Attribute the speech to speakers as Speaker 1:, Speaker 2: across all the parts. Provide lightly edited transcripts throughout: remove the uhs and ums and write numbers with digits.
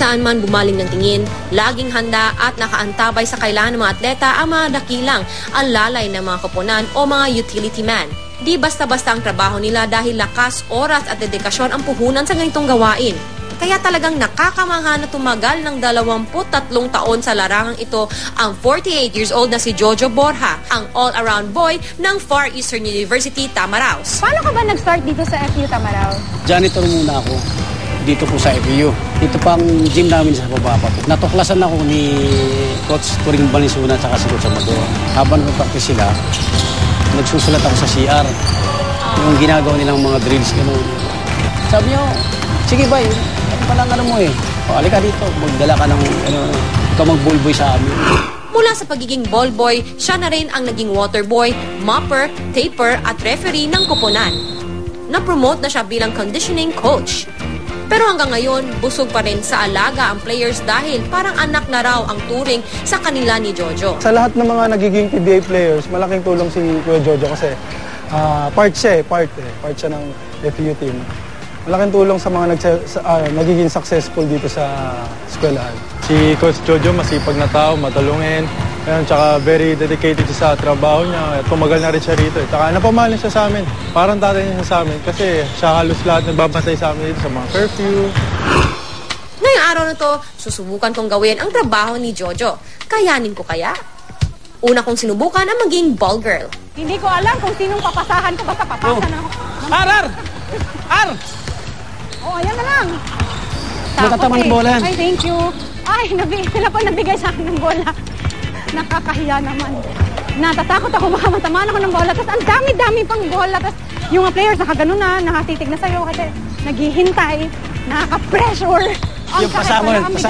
Speaker 1: saan man bumaling ng tingin, laging handa at nakaantabay sa kailangan ng mga atleta ang mga dakilang alalay ng mga koponan o mga utility man. Di basta-basta ang trabaho nila dahil lakas, oras at dedikasyon ang puhunan sa ganitong gawain. Kaya talagang nakakamangha na tumagal ng 23 taon sa larangang ito ang 48 years old na si Jojo Borja, ang all-around boy ng Far Eastern University, Tamaraos.
Speaker 2: Paano ka ba nag-start dito sa FU Tamaraos?
Speaker 3: Janitor muna ako dito po sa FU. Dito pang gym namin sa baba pa po. Natuklasan ako ni Coach Turing Balinsuna at si Coach Amador. Habang nag-practice sila, nagsusulat ako sa CR. Yung ginagawa nilang mga drills. Ganun. Sabi niyo, sige ba, palang mo eh. O, alika dito, magdala ka ng, ikaw mag-ballboy sa amin.
Speaker 1: Mula sa pagiging ballboy, siya na rin ang naging waterboy, mopper, taper at referee ng koponan. Na-promote na siya bilang conditioning coach. Pero hanggang ngayon, busog pa rin sa alaga ang players dahil parang anak na raw ang turing sa kanila ni Jojo.
Speaker 4: Sa lahat ng mga nagiging PBA players, malaking tulong si Kuya Jojo kasi part siya ng FU team. Malaking tulong sa mga nagiging successful dito sa eskwelahan.
Speaker 5: Si Coach Jojo, masipag na tao, matalungin. Ayan, tsaka very dedicated sa trabaho niya. Tumagal na rin siya rito. Tsaka napamahal siya sa amin. Parang tatay niya sa amin kasi siya halos lahat nagbabantay sa amin dito sa mga curfew.
Speaker 1: Ngayong araw na to, susubukan kong gawin ang trabaho ni Jojo. Kayanin ko kaya? Una kong sinubukan ang maging ball girl.
Speaker 2: Hindi ko alam kung sinong papasahan ko. Basta papasa na ako.
Speaker 3: Ar!
Speaker 2: Oh, ayan na lang.
Speaker 3: Magkatama ng bola yan.
Speaker 2: Ay, thank you. Ay, sila pa nagbigay sa akin ng bola. Nakakahiya naman. Natatakot ako, baka matamaan ako ng bola. Tapos ang dami-dami pang bola. Tapos yung mga players nakaganon na, nakatitig na sa'yo kasi naghihintay, nakaka-pressure.
Speaker 3: Yung pasama.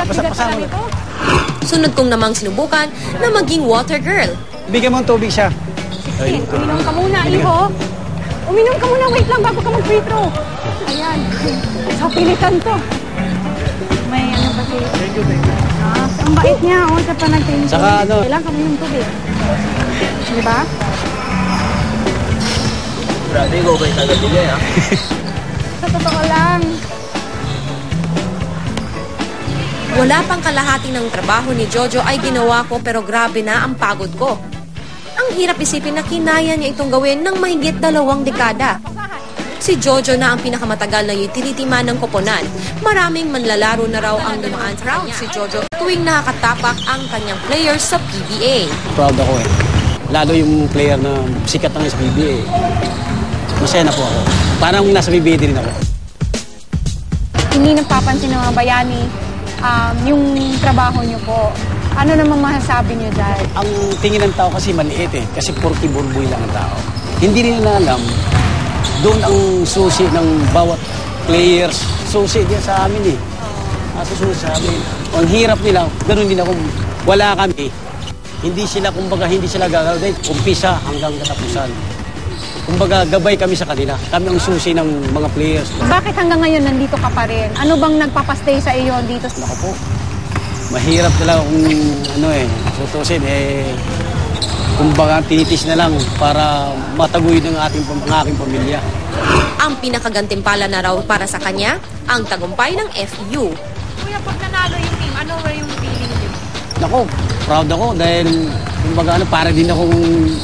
Speaker 1: Sunod kong namang sinubukan na maging water girl.
Speaker 3: Bigyan mo ng tubig siya.
Speaker 2: Uminom ka muna, iho. Uminom ka muna, wait lang bago ka mag-free throw. Ayan. Sa pilitan to. May ano ba si... Thank you. Ang bait niya, sa panagtinig.
Speaker 3: Saka ano...
Speaker 2: Kailangan kami yung tubig. Diba?
Speaker 6: Grabe, ikaw ba yung tagabigay, ha?
Speaker 2: Sa totoo lang.
Speaker 1: Wala pang kalahati ng trabaho ni Jojo ay ginawa ko pero grabe na ang pagod ko. Ang hirap isipin na kinaya niya itong gawin ng mahigit 2 dekada. Si Jojo na ang pinakamatagal na utility man ng koponan. Maraming manlalaro na raw ang dumaan sa kanya. Si Jojo tuwing nakakatapak ang kanyang players sa PBA.
Speaker 3: Proud ako eh. Lalo yung player na sikat na sa PBA. Masaya na po ako. Parang nasa PBA din ako.
Speaker 2: Hindi napapansin ng mga bayani yung trabaho niyo po. Ano namang masasabi niyo dyan?
Speaker 3: Ang tingin ng tao kasi maliit eh. Kasi porky burboy lang ang tao. Hindi rin nila alam, doon ang susi ng bawat players. Susi din sa amin eh. Susi sa amin. Ang hirap nila, ganoon din ako. Wala kami. Hindi sila gagawin. Umpisa hanggang katapusan. Kumbaga, gabay kami sa kanila. Kami ang susi ng mga players.
Speaker 2: Bakit hanggang ngayon nandito ka pa rin? Ano bang nagpapastay sa iyo dito?
Speaker 3: Naku po. Mahirap talaga kung tutusin kumbaga tinitis na lang para mataguyod ng aking pamilya.
Speaker 1: Ang pinakagantimpala na raw para sa kanya, ang tagumpay ng FU.
Speaker 2: Kuya, pag nanalo yung team, ano yung feeling niyo?
Speaker 3: Naku, proud ako dahil kumbaga para din akong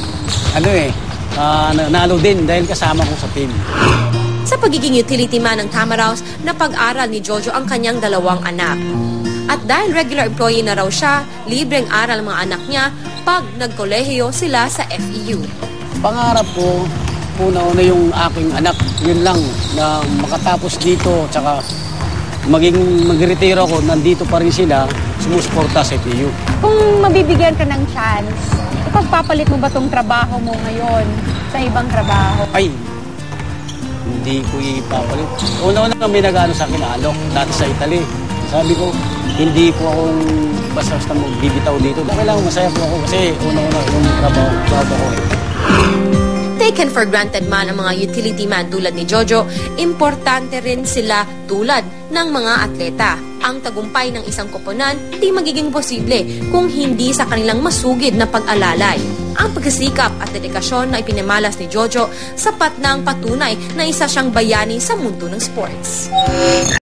Speaker 3: nanalo din dahil kasama ko sa team.
Speaker 1: Sa pagiging utility man ng Tamaraos, napag-aral ni Jojo ang kanyang 2 anak. At dahil regular employee na raw siya, libreng aral ang mga anak niya pag nagkolehiyo sila sa FEU.
Speaker 3: Pangarap ko, una-una yung aking anak, yun lang, na makatapos dito, tsaka mag-retiro ako, nandito pa rin sila, sumusuporta sa FEU.
Speaker 2: Kung mabibigyan ka ng chance, ipagpapalit mo ba tong trabaho mo ngayon sa ibang trabaho?
Speaker 3: Ay, hindi ko ipapalit. Una-una may nag-ano sa akin, alok, dati sa Italy. Sabi ko, hindi ko akong basta-basta magbibitaw dito. Kailangan masaya po ako kasi una-una yung trabaho ko eh.
Speaker 1: Taken for granted man ang mga utility man tulad ni Jojo, importante rin sila tulad ng mga atleta. Ang tagumpay ng isang koponan di magiging posible kung hindi sa kanilang masugid na pag-alalay. Ang pagsisikap at dedikasyon na ipinamalas ni Jojo sapat na ang patunay na isa siyang bayani sa mundo ng sports.